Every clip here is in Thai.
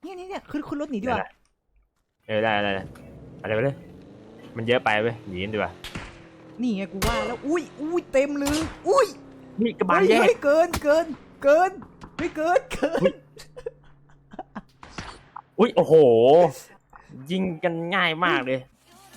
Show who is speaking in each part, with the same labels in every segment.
Speaker 1: เนี่ยขึ้นรถหนีดีกว่า
Speaker 2: ได้อะไรไปเลยมันเยอะไปเว้ยหนีกันดีกว่า
Speaker 1: นี่ไงกูว่าแล้วอุ้ยเต็มเลยอุ้ย
Speaker 2: มีกระบาลแยก
Speaker 1: เกินไม่เกิน
Speaker 2: อุ้ยโอ้โหยิงกันง่ายมากเลย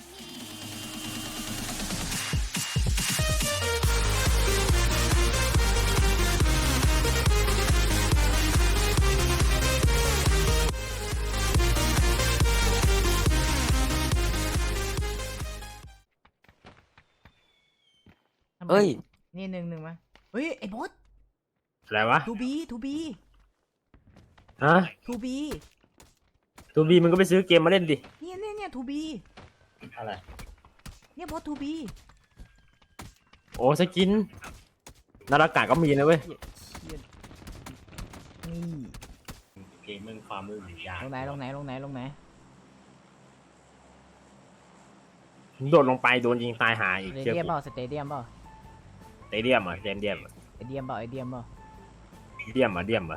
Speaker 3: เอ้ย
Speaker 1: นี่หนึ่งมาเฮ้ยไอ้บอส
Speaker 2: อะไรวะ
Speaker 1: ทูบี
Speaker 2: ฮะ
Speaker 1: ทูบี
Speaker 2: มึงก็ไปซื้อเกมมาเล่นดิ
Speaker 1: เนี่ยทูบี
Speaker 2: อะไร
Speaker 1: เนี่ยบอสทูบี
Speaker 2: โอ้สกินนาฬกาก็มีนะเว้ย
Speaker 1: นี่
Speaker 2: เกมมึงความมือหยา
Speaker 1: ลงไหน
Speaker 2: โดดลงไปโดนยิงตายหาอีก
Speaker 1: สเตเดียมเปล่าสเตเดียมเปล่า
Speaker 2: ไอเดียมเหรอเดียมเหรอ
Speaker 1: เดียมเปล่า
Speaker 2: เดียมเหรอ
Speaker 1: เดียมเปล่า
Speaker 2: ไอหนึ่ง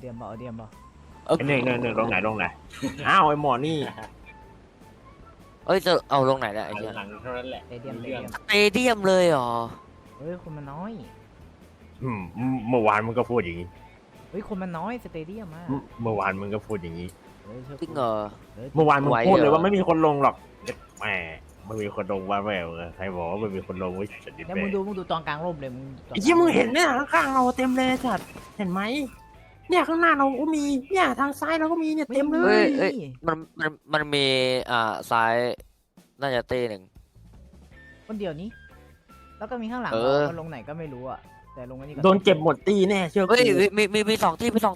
Speaker 2: ลงไหนอ้าวไอหมอนี่
Speaker 3: เอ้ยจะเอาลงไหนเนี่ยไอ้เหี้ย
Speaker 2: หลังเท่านั้นแหละ
Speaker 1: สเตเดียม
Speaker 3: สเตเดียมเลยเหรอ
Speaker 1: เฮ้ยคนมันน้อย
Speaker 2: เมื่อวานมึงก็พูดอย่างนี้
Speaker 1: เฮ้ยคนมันน้อยสเตเดียมอ่ะ
Speaker 2: เมื่อวานมึงก็พูดอย่างนี้
Speaker 3: จริงเหรอ
Speaker 2: เมื่อวานมึงพูดเลยว่าไม่มีคนลงหรอกแหมไม่มีคนลงว่าแม่ใครบอกว่าไม่มีคนลงวิสัตว์ดิ
Speaker 1: แล้วมึงดูตอนกลางร่มเลยมึง
Speaker 2: ไอ้ที่มึงเห็นเนี่ยข้างๆเราเต็มเลยจัดเห็นไหมเนี่ยข้างหน้าเราก็มีเนี่ยทางซ้ายเราก็มีเนี่ยเต็มเล
Speaker 3: เอ้ยมันมีซ้ายน่าจะเต้หนึ่ง
Speaker 1: คนเดียวนี้แล้วก็มีข้างหลัง
Speaker 3: เรา
Speaker 1: ลงไหนก็ไม่รู้อ่ะแต่ลงอันนี้ก็
Speaker 2: โดนเก็บหมดตีแน่เชื่อกู
Speaker 3: เฮ้ยมีสองที่
Speaker 1: สอง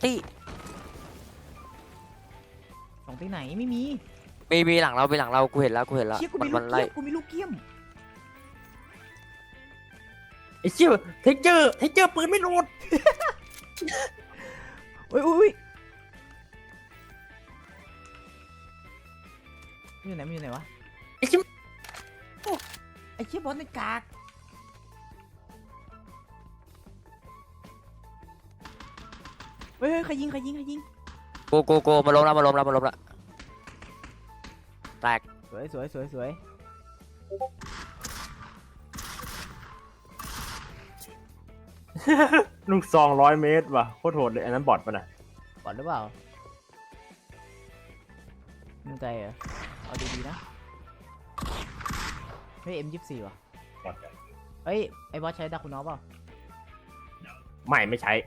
Speaker 1: ที่ไหนไม่มี
Speaker 3: มีหลังเรากูเห็นแล้ว
Speaker 1: เชี่ยกูมีลูกเกี้ยม
Speaker 2: ไอ้เชี่ยเทคเจอร์ปืนไม่โหลด
Speaker 1: อุ้ยมันอยู่ไหนวะไอ้เชี่ยบอสในกากเฮ้ยใครยิง
Speaker 3: โกมาล้มละแตก
Speaker 1: สวย
Speaker 2: ลูกซอง100 เมตรว่ะโคตรโหดเลยอันนั้นบอทป่ะน่ะ
Speaker 1: บอดหรือเปล่ามึงใจเหรอเอาดีๆนะเฮ้ย M24 ว่ะเฮ้ยไอ้บอสใช้ดาคุนอฟเปล่า
Speaker 2: ไม่ใช้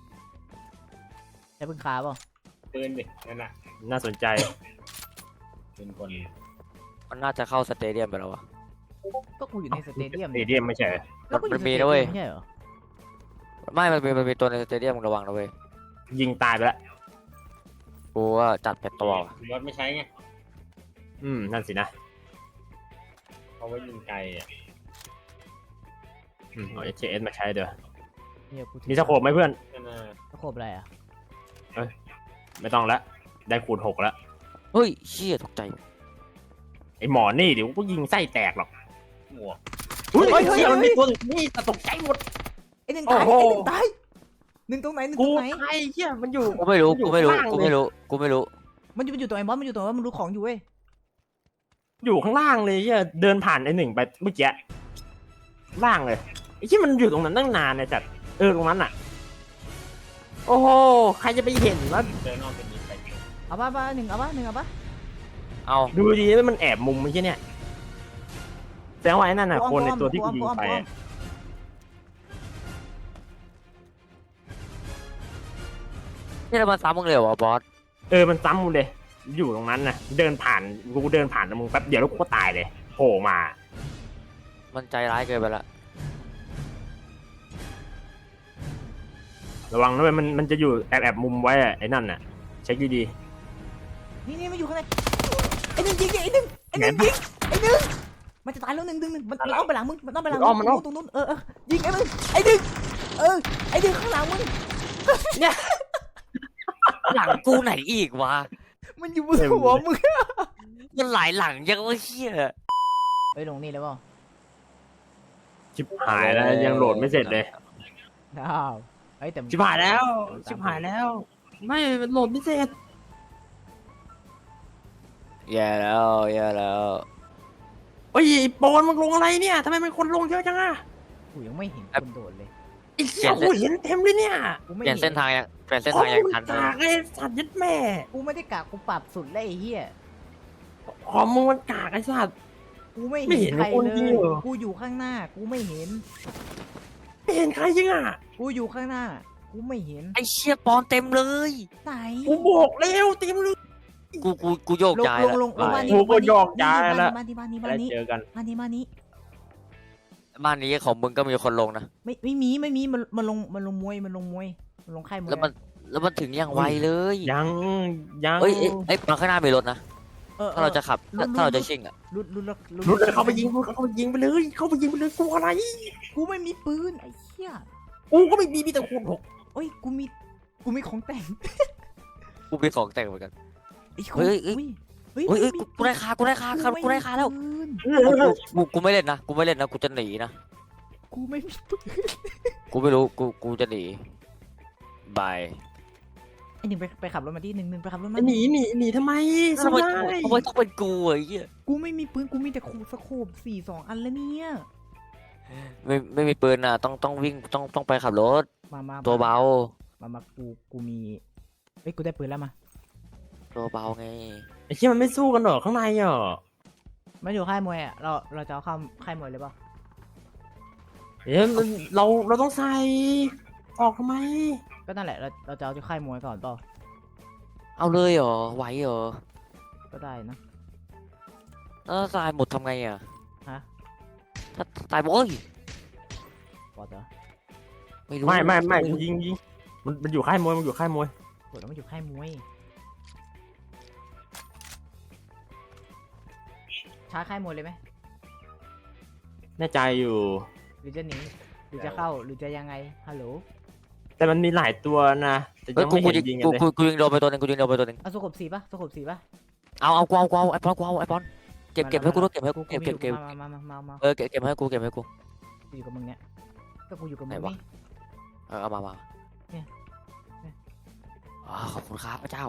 Speaker 1: ใช้ปืนคาเปล่า
Speaker 2: ปืนดินั่นน่ะน่าสนใจเป็นคน
Speaker 3: มันน่าจะเข้าสเตเดียมไปแล้ววะ
Speaker 1: ก็กูอยู่ในสเตเดียม
Speaker 2: สเตเดียมไม่ใช่
Speaker 3: มันมีนะเว้ย
Speaker 1: ไม่ใช่เหรอ
Speaker 3: ไม่มันมีตัวในสเตเดียมมึงระวังนะเว้ย
Speaker 2: ยิงตายไปแล้ว
Speaker 3: กูว่าจัดเป็ดตัวว่ะ
Speaker 2: รถไม่ใช้ไงนั่นสินะเพราะว่ายิงไกลอ่ะเอา HS มาใช้เด้อมีสโคปไหมเพื่อน
Speaker 1: สโคปอะไรอ่ะ
Speaker 2: ไม่ต้องละได้คูณ 6แล้ว
Speaker 3: เฮ้ยเชี่ยตกใจ
Speaker 2: ไอหมอนี่เดี๋ยวก็ยิงไส้แตกหรอกอุ้ยเชี่ยมันมีตัวนี่ตกใจหมด
Speaker 1: ไอ้หนึ่งตายหนึ่งตรงไหน
Speaker 2: กูใครเชี่ยมันอยู่
Speaker 3: กูไม่รู้มันอยู่
Speaker 1: ตัวไอ้บอสมันอยู่ตัวว่ามันรู้ของอยู่เว้ย
Speaker 2: อยู่ข้างล่างเลยเชี่ยเดินผ่านไอ้หนึ่งไปเมื่อกี้ล่างเลยไอ้ที่มันอยู่ตรงนั้นตั้งนานเนี่ยจัดตรงนั้นอ่ะโอ้โหใครจะไปเห็นว่าเดินออกเป็นยิงไป
Speaker 1: เอาป่ะหนึ่งเอาป่ะ
Speaker 3: เอา
Speaker 2: ดูดีว่ามันแอบมุมไม่ใช่เนี่ยแสดงว่าไอ้นั่นน่ะคนในตัวที่กูยิงไป
Speaker 3: นี่เรามาซ้ำมึงเลยเหรอบอส
Speaker 2: มันซ้ำมึงเลยอยู่ตรงนั้นนะเดินผ่านมึงแป๊บเดียวแล้วกูก็ตายเลยโผล่มา
Speaker 3: มันใจร้ายเกินไปละ
Speaker 2: ระวังนะเว้ยมันจะอยู่แอบมุมไว้ไอ้นั่นน่ะเช็คดี
Speaker 1: ๆนี่มันอยู่ข้างในไอ้หนึ่งยิงไอ้หนึ่งมันจะตายแล้วหนึ่งมันเอาไปหลังมึงมันต้องไปหลังมึงตรงนู้นยิงไอ้มึงไอ้หนึ่งไอ้หนึ่งข้างหลังมึง
Speaker 3: เนี่ยหลังกูไหนอีกวะ
Speaker 1: มันอยู่บนหัวมึง
Speaker 3: มันหลายหลังยังว่าเชี่ย
Speaker 1: ไปลงนี่แล้วเปล่า
Speaker 2: ชิบหายแล้วยังโหลดไม่เสร็จเลย
Speaker 1: แต่
Speaker 2: ชิบหายแล้วไม่มันโหลดไม่เสร็จ
Speaker 3: แย่แล้วแย่แล้ว
Speaker 2: เฮ้ยไอ้โปนมึงลงอะไรเนี่ยทำไมมันคนลงเยอะจังอะ
Speaker 1: กูยังไม่เห็นคนโดดเลย
Speaker 2: ไอ้เหี้ยกูเห็นเต็มเลยเนี่ย
Speaker 1: กูไม่
Speaker 3: เปลี่ยน
Speaker 1: ห็
Speaker 3: เส้นทางยังเปลี่ยนเส้นทางยังทัน
Speaker 2: โอ้มึกากไอ้สัตว์ยัดแม่
Speaker 1: กูไม่ได้กะกูปรับสุดเลยไอ้เหี้ย
Speaker 2: คอมมึงมันกากไอ้สัตว์
Speaker 1: กูไม่
Speaker 2: ไม่เห็
Speaker 1: เห็น
Speaker 2: น
Speaker 1: ใคร
Speaker 2: คน
Speaker 1: เล
Speaker 2: จริง
Speaker 1: ย
Speaker 2: เหรอ
Speaker 1: กูอยู่ข้างหน้า กูไม่เห็น
Speaker 2: ไม่เห็นใครจริงอ่ะ
Speaker 1: กูอยู่ข้างหน้า กูไม่เห็น
Speaker 3: ไอ้เชี่ยปอนเต็มเลย
Speaker 1: ไหน
Speaker 2: กูบอกแล้วเต็มเลย
Speaker 3: กูโยก
Speaker 1: ลง
Speaker 3: ย้าย
Speaker 1: ลงลงลงบ้านนี้
Speaker 2: กูก็
Speaker 1: บ้านนี้
Speaker 2: ยอกย้ายแล้ว
Speaker 1: บ้านนี้บ้านนี้
Speaker 2: แล้
Speaker 1: บ้าน
Speaker 2: ว
Speaker 1: นี้
Speaker 2: เจอกัน
Speaker 1: บ้านนี้บ้านนี้
Speaker 3: บ้านนี้ของมึงก็มีคนลงนะ
Speaker 1: ไม่มีมันลงมวยมันลงค่ายมวย
Speaker 3: แล้วมันถึงยังไวเลย
Speaker 2: ยังยัง
Speaker 3: เอ้ยมาข้างหน้ามีรถนะ ถ้าเราจะขับ
Speaker 1: ลุ้น
Speaker 3: ถ้าเราจะชิ่งอ่ะ
Speaker 1: ลุ้น
Speaker 2: รุดเลยเข้าไปยิงเข้าไปยิงไปเลยเข้าไปยิงไปเลยกูอะไร
Speaker 1: กูไม่มีปืนไอ้เหี้ย
Speaker 2: กูก็ไม่มีแต่คูณหก
Speaker 1: เอ้ยกูมีของแต่ง
Speaker 3: กูมีของแต่งเหมือนกัน
Speaker 1: ไอ้
Speaker 3: เฮ้ย เฮ้ย
Speaker 1: ไม่มี
Speaker 3: กูได้คากูได้คาแล้ว
Speaker 1: ปืน
Speaker 3: กูไม่เล่นนะกูจะหนีนะ
Speaker 1: กูไม่มีปืน
Speaker 3: กูไม่รู้กูจะหนีบาย
Speaker 1: ไอ้หนึ่งไปขับรถมาดิหนึ่งไปขับรถมา
Speaker 2: หนีทำไม
Speaker 3: ทำไม
Speaker 2: ได้
Speaker 3: ต้องเป็นกูไอ้เหี้ย
Speaker 1: กูไม่มีปืนกูมีแต่สโคป4 2 อันแล้วเนี่ย
Speaker 3: ไม่มีปืนอ่ะต้องวิ่งต้องไปขับรถ
Speaker 1: มา
Speaker 3: ตัวเบา
Speaker 1: มากูมีเอ้ยกูได้ปืนแล้วมา
Speaker 3: ตัวเบาไง
Speaker 2: ไอ้เชี่ยมันไม่สู้กันหรอข้างในอ่ะ
Speaker 1: มาอยู่ค่ายมวยอ่ะเราจะเอาเข้าค่ายมวยเลยเปล่า
Speaker 2: เอ๊ะมันเราต้องใส่ออกทำไม
Speaker 1: ก็นั่นแหละเราจะเอาที่ค่ายมวยก่อนเปล่า
Speaker 3: เอาเลยเหรอไหวเหรอ
Speaker 1: ก็ได้นะ
Speaker 3: แล้วตายหมดทำไงอ่ะ
Speaker 1: ฮะ
Speaker 3: ถ้าตายหมดเอ้ย
Speaker 1: บอดเหรอ
Speaker 3: ไม่รู้
Speaker 2: ไม่ยิงมันอยู่ค่ายมวยมันอยู่ค่ายมวย
Speaker 1: บอดแล้วมันอยู่ค่ายมวยช้าค่ายมวยเลยไหม
Speaker 2: แน่ใจอยู่
Speaker 1: หรือจะหนีหรือจะเข้าหรือจะยังไงฮัลโหล
Speaker 2: แต่มันมีหลายตัวนะแต่
Speaker 3: เฮ้
Speaker 2: ยั
Speaker 3: ย
Speaker 2: ง
Speaker 3: กู
Speaker 2: ไม่เห็นยิงกันเลย
Speaker 3: ยิงโดนไปตัวหนึงกูยิงโดนไปตัวหนึง
Speaker 1: เอาสโคป4ป่ะสโคป4ป่ะ
Speaker 3: เอาไอ้ปอนเก็บให้กูด้วยเก็บให้กูเก็บ
Speaker 1: มา
Speaker 3: เก็บให้กู
Speaker 1: กูอยู่กับมึงเนี่ยก็กูอยู่กับมึง
Speaker 3: ไหนวะ
Speaker 1: นี่
Speaker 3: เอามา
Speaker 1: เนี่ย
Speaker 3: ขอบคุณครับพระเจ้า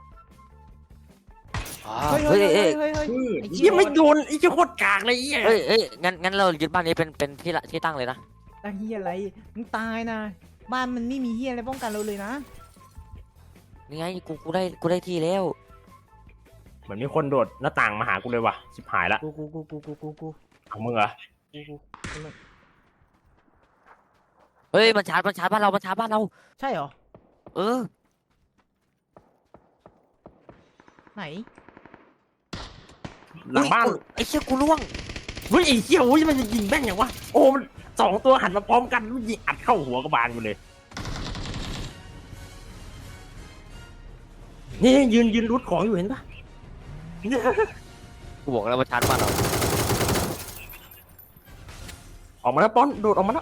Speaker 1: เฮ้ย
Speaker 3: เฮ้ย
Speaker 1: เฮ้
Speaker 3: เฮ้
Speaker 1: ย
Speaker 3: ย
Speaker 1: เฮ้ย
Speaker 2: ไอ้เหี้ยไม่โดนไอ้เจ้าโคตรกากเลยไอ้เหี้ย
Speaker 3: เฮ้ยงั้นเรายึดบ้านนี้เป็นที่ตั้งเลยนะ
Speaker 1: ตั้งเฮียอะไรมึงตายนะบ้านมันไม่มีเฮียอะไรป้องกันเราเลยนะ
Speaker 3: นี่ไงกูได้ที่แล้ว
Speaker 2: เหมือนมีคนโดดหน้าต่างมาหากูเลยว่ะชิบหายละ
Speaker 1: กู
Speaker 2: เอามึงเหรอ
Speaker 3: เฮ้ยมันชาร์จบ้านเรา
Speaker 1: ใช่เหรอ
Speaker 3: เออ
Speaker 1: ไหน
Speaker 2: หลังบ้าน
Speaker 3: ไอ้เชี่ยกูล่วง
Speaker 2: เฮ้ยไอ้เหี้ยโอ้ยมันจะยิงแม่งอย่างวะโอ้มัน2 ตัวหันมาพร้อมกันมันยิงอัดเข้าหัวกระบาลกูเลยนี่ยืนรุดของอยู่เห็นปะ
Speaker 3: กูบอกแล้วมันชาร์จบ้านเรา
Speaker 2: ออกมาแล้วป้อนโดดออกมาแล้ว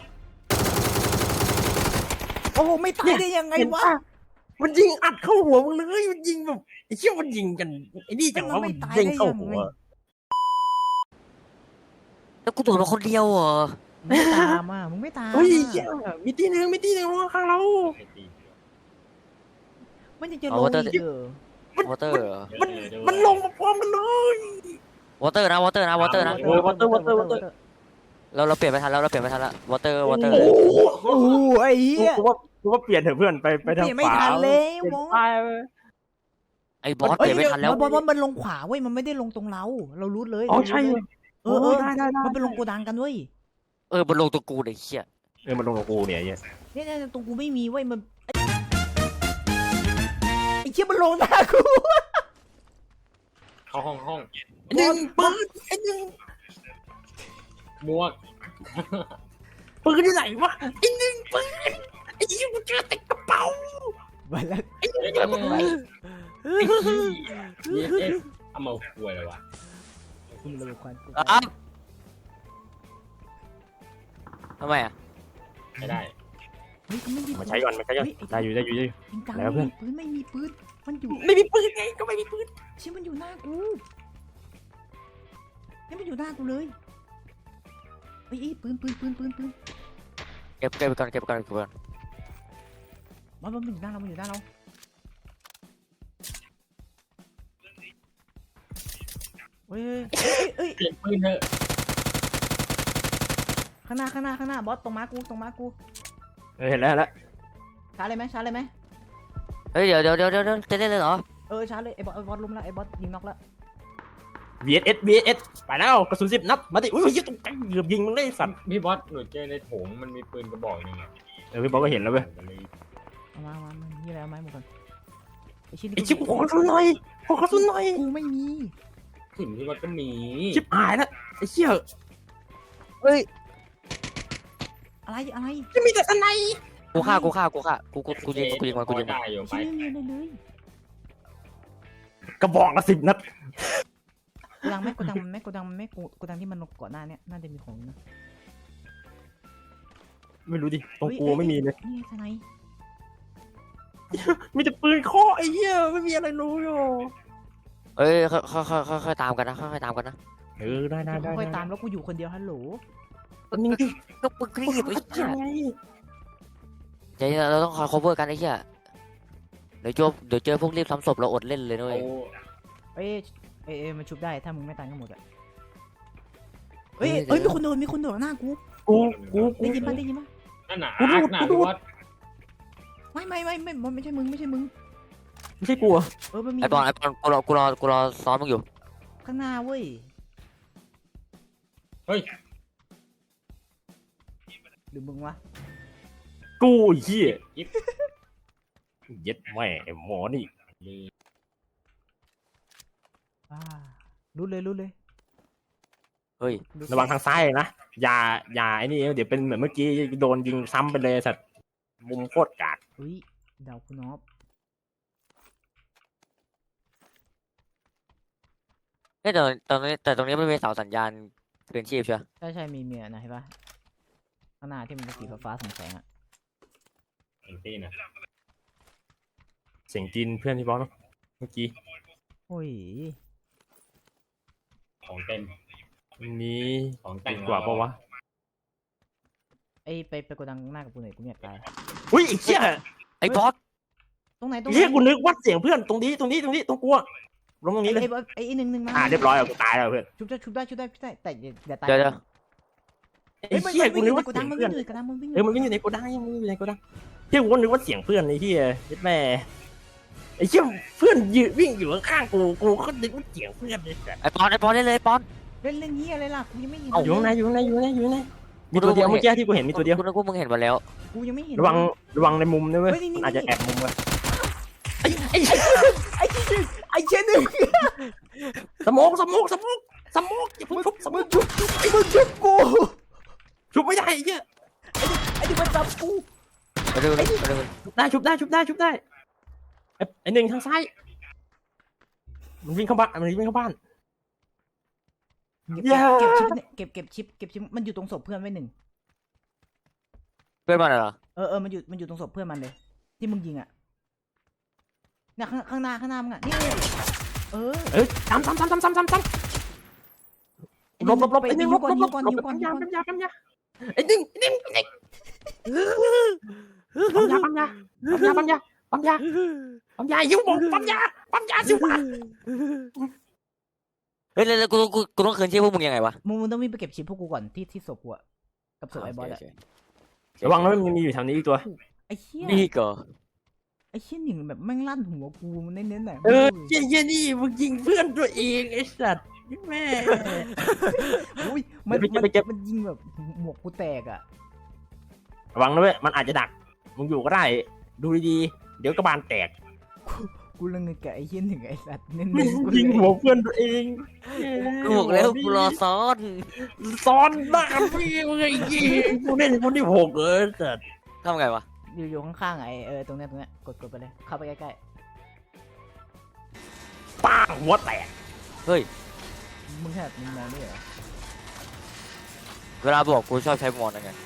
Speaker 1: โอ้โหไม่ตายได้ยังไง
Speaker 2: เห็น
Speaker 1: วะ
Speaker 2: ปะมันยิงอัดเข้าหัวมึงเลยมันยิงแบบไอ้เชี่ยมันยิงกันไอ้นี่จังว่ามันยิงเข้าหัว
Speaker 3: แล้วกูโดดมาคนเดียวเหรอ
Speaker 1: มึงไม่ตามอ่ะมึงไม่ตาม
Speaker 2: เฮ้ย
Speaker 1: อ่ะ
Speaker 2: เหี้ยมีที่หนึ่งข้างเรา
Speaker 1: มันยังจะลงอีกเหรอ
Speaker 3: วอเตอร์เหรอ
Speaker 2: มันลงมาพร้อมกันเลยว
Speaker 3: อเตอร์นะ
Speaker 2: เออ water
Speaker 3: เราเปลี่ยนไม่ทันแล้ววอเตอร์
Speaker 2: โอ้โห
Speaker 1: โอ้โหไอ้เหี้ย
Speaker 2: กูว่าเปลี่ยนเถอะเพื่อนไปทาง
Speaker 1: เปลี่ยนไม่
Speaker 2: ขวา
Speaker 1: ทันแล้ว
Speaker 2: เปลี่ยน
Speaker 1: มอง
Speaker 2: ซ้ายไป
Speaker 3: ไอ้บอสเปลี่ยนไม่ทันแล้ว
Speaker 1: บอสมันลงขวาเว้ยมันไม่ได้ลงตรงเรารู้เลย
Speaker 2: อ๋อใช่
Speaker 1: เออ
Speaker 2: ได้
Speaker 1: มันเป็นลงโกดังกันเว้ย
Speaker 3: มันลงตัวกูไอ้เหี้ย
Speaker 2: มันลงกับกูเนี่ย
Speaker 1: เนี่ยตรงกูไม่มีเว้ยมันไอ้เชี่ยมันลงหน้ากู
Speaker 4: เข้าห้อง
Speaker 2: ไอ้หนึ่งปืนไอ้หนึ่ง
Speaker 4: มวก
Speaker 2: ปืนที่ไหนวะไอ้หนึ่งปืนไอ้ยี่กูเจอแต่กระเป๋า
Speaker 1: มาแล้ว
Speaker 2: ไอ้หนึ่งเจอปืน
Speaker 4: ไอ้ขี้เอสเอามาป่วยเลยวะ
Speaker 1: คุณเลยควัน
Speaker 3: ทำไมอ่ะ
Speaker 4: ไม่ได้
Speaker 1: เฮ้ยไม่มี
Speaker 2: มาใช้ก่อนได้อยู่
Speaker 1: จริงจัง
Speaker 2: แล้วเพื่อน
Speaker 1: ปืนไม่มีปืนมันอยู่
Speaker 2: ไม่มีปืนไงก็ไม่มีปืน
Speaker 1: เชี่ยมันอยู่หน้ากูเนี่ยมันอยู่หน้ากูเลยเฮ้ยปืน
Speaker 3: เก็บไปก่อน
Speaker 1: มันอยู่หน้าเราเฮ้ยเฮ้ยเฮ้ย
Speaker 4: เปลี่ยนปืนเถอะ
Speaker 1: ข้างหน้าบอสตรงม้ากู
Speaker 2: เห็นแล้ว
Speaker 1: ชาร์จเลยไหม
Speaker 3: เฮ้ยเดี๋ยวจะเล่นเลยเหรอ
Speaker 1: ชาร์จเลยไอ้บอสล้มแล้วไอ้บอสยิงน็อกแล้ว
Speaker 2: VSS ไปแล้วกระสุน10 นัดมาดิอุ้ยยิงตรงกลางเกือบยิงมึงได้สัตว์
Speaker 4: พี่บอสหนูเจอในโถงมันมีปืนกระบอกหนึงอะ
Speaker 2: พี่บอกก็เห็นแล้วเว้ย
Speaker 1: เอามานี่อะไรเอาไม้หมดก่อนไอ้ชิ้น
Speaker 2: ไอ้ชิบขอกระสุนหน่อย
Speaker 1: กูไม่มี
Speaker 4: ถึงพี่บอสก็มี
Speaker 2: ชิบหายแล้วไอ้เชี่ย
Speaker 1: อะไร
Speaker 2: จะมีแต่สไน
Speaker 3: กูฆ่ากูยิงมัน
Speaker 4: ได้อยู่ไป
Speaker 1: ชิ้นไม่มีอะไรเลย
Speaker 2: กระบอกละ10 นัด
Speaker 1: โกดังมันไม่โกดังที่มันก่อนหน้าเนี้ยน่าจะมีของนะ
Speaker 2: ไม่รู้ดิตรงกูไม่มีเลย
Speaker 1: นี่ทนาย
Speaker 2: มีแต่ปืนเคาะไอ้เหี้ยไม่มีอะไรรู้อยู่
Speaker 3: เอ้ยค่อยตามกันนะค่อยตามกันนะ
Speaker 2: ได้
Speaker 1: ค่อยตามแล้วกูอยู่คนเดียวฮัลโหล
Speaker 2: ตอนนี้ดิ
Speaker 3: ก็มึงรีบไอ้เหี้ย
Speaker 2: ไง
Speaker 3: ใจเย็นเราต้องคอย cover กันไอ้เหี้ยเดี๋ยวเจอพวกรีบทำศพเราอดเล่นเลยด้วย
Speaker 1: เอ้ยมันชุบได้ถ้ามึงไม่ตายก็หมดอ่ะเอ้ยมีคนโดนหน้ากู
Speaker 2: กู
Speaker 1: ได้ยินปะ
Speaker 4: นั่นน่ะอาร์คน่ะพี่บอส
Speaker 1: ไม่ไม่ใช่มึง
Speaker 2: ไม่ใช่กู
Speaker 1: มันมี
Speaker 3: ไอ้บอลกูรอซ้อมมึงอยู่
Speaker 1: ข้างหน้าเว้ย
Speaker 4: เฮ้ย
Speaker 1: หรือมึงวะ
Speaker 2: กูเหี้ย
Speaker 4: ยิบ
Speaker 2: เย็ดแม่ไอ้หมอนี่
Speaker 1: รู้เลย
Speaker 3: เฮ้ย
Speaker 2: ระวังทางซ้ายนะอย่าไอ้นี่เดี๋ยวเป็นเหมือนเมื่อกี้โดนยิงซ้ำไปเลยสัตว์มุมโคตรกาก
Speaker 1: เฮ้ยดาวคุณนอบ
Speaker 3: เฮ้ยแต่ตรงนี้ไม่มีเสาสัญญาณเตือนชีพใช่ไหม
Speaker 1: ใช่มีเมียนะเห็นปะข้างหน้าที่มันเป็นสีฟ้าส่องแสงอ่ะ
Speaker 4: เอ็นตี้นะ
Speaker 2: เสียงจีนเพื่อนที่บอกเนาะเมื่อกี้
Speaker 1: โอ้ย
Speaker 4: ของเต็ม
Speaker 2: วันนี้
Speaker 4: ของแต่
Speaker 2: ดี
Speaker 4: ง
Speaker 2: กว่าปะวะ
Speaker 1: ไปโกดังหน้ากับกูหน่อยกูเนี่ยตาย
Speaker 2: อุ้ยไอ้เหี้ย
Speaker 3: ไอ้บอส
Speaker 1: ตรงไหน
Speaker 2: เหี้ยกูนึกว่าเสียงเพื่อนตรงนี้ตรงกูอะลงตรงนี้เลย
Speaker 1: ไอ้หนึ่งมา
Speaker 2: เรียบร้อยแล้วกูตายแล้วเพื่อน
Speaker 1: ชุบได้แต่อย่าตาย
Speaker 3: เดี๋ยว
Speaker 2: ไอ้เหี้ยกูนึกว่า
Speaker 1: โก
Speaker 2: เสี
Speaker 1: ดั
Speaker 2: ย
Speaker 1: ง
Speaker 2: ง
Speaker 1: มัน
Speaker 2: เพื่อน
Speaker 1: วิ่งอยู่กระดังมันวิ่ง
Speaker 2: มันวิ่งอยู่ในโกดังเหี้ยกูก็นึกว่าเสียงเพื่อนไอ้เหี้ยเย็ดแม่ไอ้เหี้ยเพื่อนยืนวิ่งอยู่ข้างๆกูก็นึกว่าเสียงเพื่อนเลย
Speaker 3: ไอ้ปอนเล่นเลยปอน
Speaker 1: เล่นเงี้ยอะไรล่ะกูยังไม่เห็น
Speaker 2: อยู่ข้างในมีตัวเดียวเมื่อกี้ที่กูเห็นมีตัวเดียว
Speaker 3: กูนึกว่ามึงเห็นมาแล้ว
Speaker 1: กูยังไม่เห็น
Speaker 2: ระวังในมุมนะเว้ยมันอาจจะแอบมุมเว้ยไอ้เชี่ยหนึ่งสมองอย่าเพิ่งชุบสมอง
Speaker 1: มึงชุบกู
Speaker 2: ชุบไม่ได้ไอ้เหี้ย
Speaker 1: ไอ้ที่มันจับกู
Speaker 3: ไปดู
Speaker 2: ชุบได้ไอ้หนึ่งทางซ้ายมันวิ่งเข้าบ้าน
Speaker 1: เก็บชิปมันอยู่ตรงศพเพื่อนไว้หนึ่ง
Speaker 3: เพื่อนมันเหรอ
Speaker 1: มันอยู่ตรงศพเพื่อนมันเลยที่มึงยิงอ่ะเนี่ยข้างหน้ามึงอ่ะนี่
Speaker 2: ซ้ำหลบไอ้หนึ่งหลบปั๊มยาไอ้หนึ่งปั๊มยายิ้วบอกปั๊มยาสิวะ
Speaker 3: เฮ้ยแล้วกูต้องคืนชีพพวกมึงยังไงวะ
Speaker 1: มึงต้องวิ่งไปเก็บชิปพวกกูก่อนที่ศพกูอ่ะกับศพไอ้บอสอ่ะ
Speaker 2: ระวังนะมันมีอยู่แถวนี้อีกตัว
Speaker 1: ไอ้เหี้ย
Speaker 3: นี่ก็
Speaker 1: ไอ้เชี่ยหนึ่งแบบแม่งลั่นหัวกูมันเน้นๆหน่อย
Speaker 2: เหี้ยนี่มึงยิงเพื่อนตัวเองไอ้สัตว์แม่
Speaker 1: อุ้ยมันยิงแบบหมวกกูแตกอ่ะ
Speaker 2: ระวังนะเว้ยมันอาจจะดักมึงอยู่ก็ได้ดูดีๆเดี๋ยวกระบาลแตก
Speaker 1: กูละเงยกับไอ้เชี่ยหนึ่งไอ้สัตว์เน้น
Speaker 2: ยิงหัวเพื่อนตัวเอง
Speaker 3: กูบอกแล้วกูรอซ้อน
Speaker 2: ซ้อนหน้าพี่มึงไอ้ยิงกูเล่นคนที่6สัตว์
Speaker 3: ทำไงวะ
Speaker 1: อยู่ข้างๆไอ้ตรงเนี้ยกดไปเลยเข้าไปใกล้
Speaker 2: ป้าหัวแตก
Speaker 3: เฮ้ย
Speaker 1: ๆมึงแค่มึงมองด้วยเหรอ
Speaker 3: เวลาบอกกูชอบใช้มอนยังไง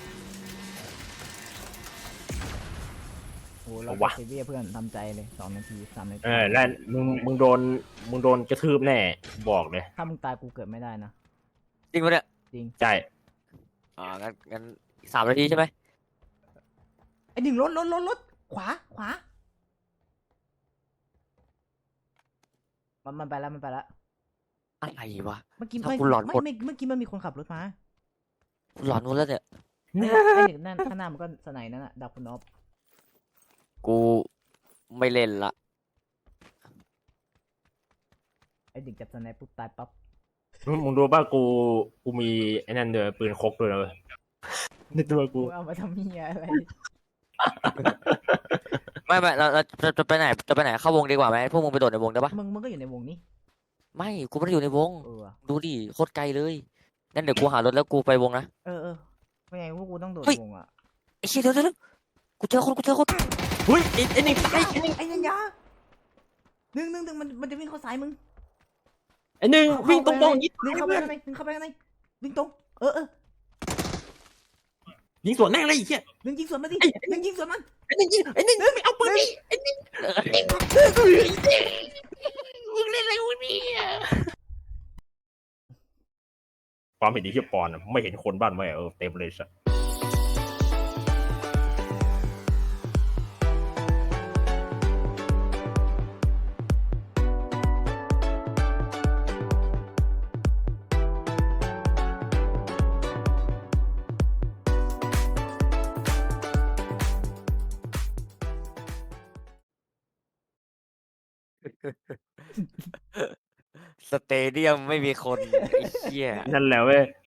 Speaker 1: โอ้เราเซเวียเพื่อนทำใจเลย2 นาที 3 นาที
Speaker 2: แล้วมึงโดนกระทืบแน่บอกเลย
Speaker 1: ถ้ามึงตายกูเกิดไม่ได้นะ
Speaker 3: จริงปะเนี่ย
Speaker 2: ใช่
Speaker 3: งั้น3 นาทีใช่ไหม
Speaker 1: ไอ้หนึ่งรถขวามันไปแล้ว
Speaker 3: อะไรวะ
Speaker 1: เมื่อกี้
Speaker 3: ถ้า
Speaker 1: ไม่
Speaker 3: กูหลอน
Speaker 1: ไม่
Speaker 3: หมด
Speaker 1: ไม่เมื่อกี้มันมีคนขับรถมา
Speaker 3: กูหลอนหมดแล้วเนี่ย
Speaker 1: ไอ้เด็กนั่นข้างหน้ามันก็สไนด์นั่นน่ะดับคุณนอฟ
Speaker 3: กูไม่เล่นละ
Speaker 1: ไอ้เด็กจับสไนด์ปุ๊บตายปั๊บ
Speaker 2: มึงรู้ป่ะกูมีไอ้นั่นเด้อปืนคกด้วยนะเว้ยในตัวกู
Speaker 1: กูเอามาทำเมียอะไร
Speaker 3: ไม่เราจะไปไหนเข้าวงดีกว่าไหมพวกมึงไปโดดในวงได้ปะ
Speaker 1: มึงก็อยู่ในวงนี้
Speaker 3: ไม่กูไม่ได้อยู่ในวง
Speaker 1: เออว่ะ
Speaker 3: ดูดิโคตรไกลเลยงั้นเดี๋ยวกูหารถแล้วกูไปวงนะ
Speaker 1: เออไม่ไงพวกกูต้องโดด
Speaker 3: เฮ้ย
Speaker 1: วงอ่ะ
Speaker 3: ไอ้เชี่ยเดี๋ยวกูเจอคน
Speaker 2: เฮ้ยไอ้หนึ่งตายไอ้หนึ่ง
Speaker 1: ไอ้นันยาหนึ่งมันจะวิ่งเข้าซ้ายมึง
Speaker 2: ไอ้หนึ่งวิ่งตรงๆยิง
Speaker 1: หนึ่งเข้าไปข้างในหนึ่งเข้าไปข้างในวิ่งตรงเออ
Speaker 2: ยิงสวนแม่งเลยไอ้เหี้ย
Speaker 1: หนึ่งยิงสวนมาดิหนึ่งยิงสวนมัน
Speaker 2: ไอ้หนึ่งยิงไอ้หนึ่งไม่เอาปืนดิไอ้หนึ่งมึงเล่นอะไรวะเนี่ยความเห็นดีที่ปอนอะไม่เห็นคนบ้านแม่เต็มเลยสัส
Speaker 3: สเตเดียมไม่มีคนไอ้เชี่ย
Speaker 2: นั่นแหละเว้ย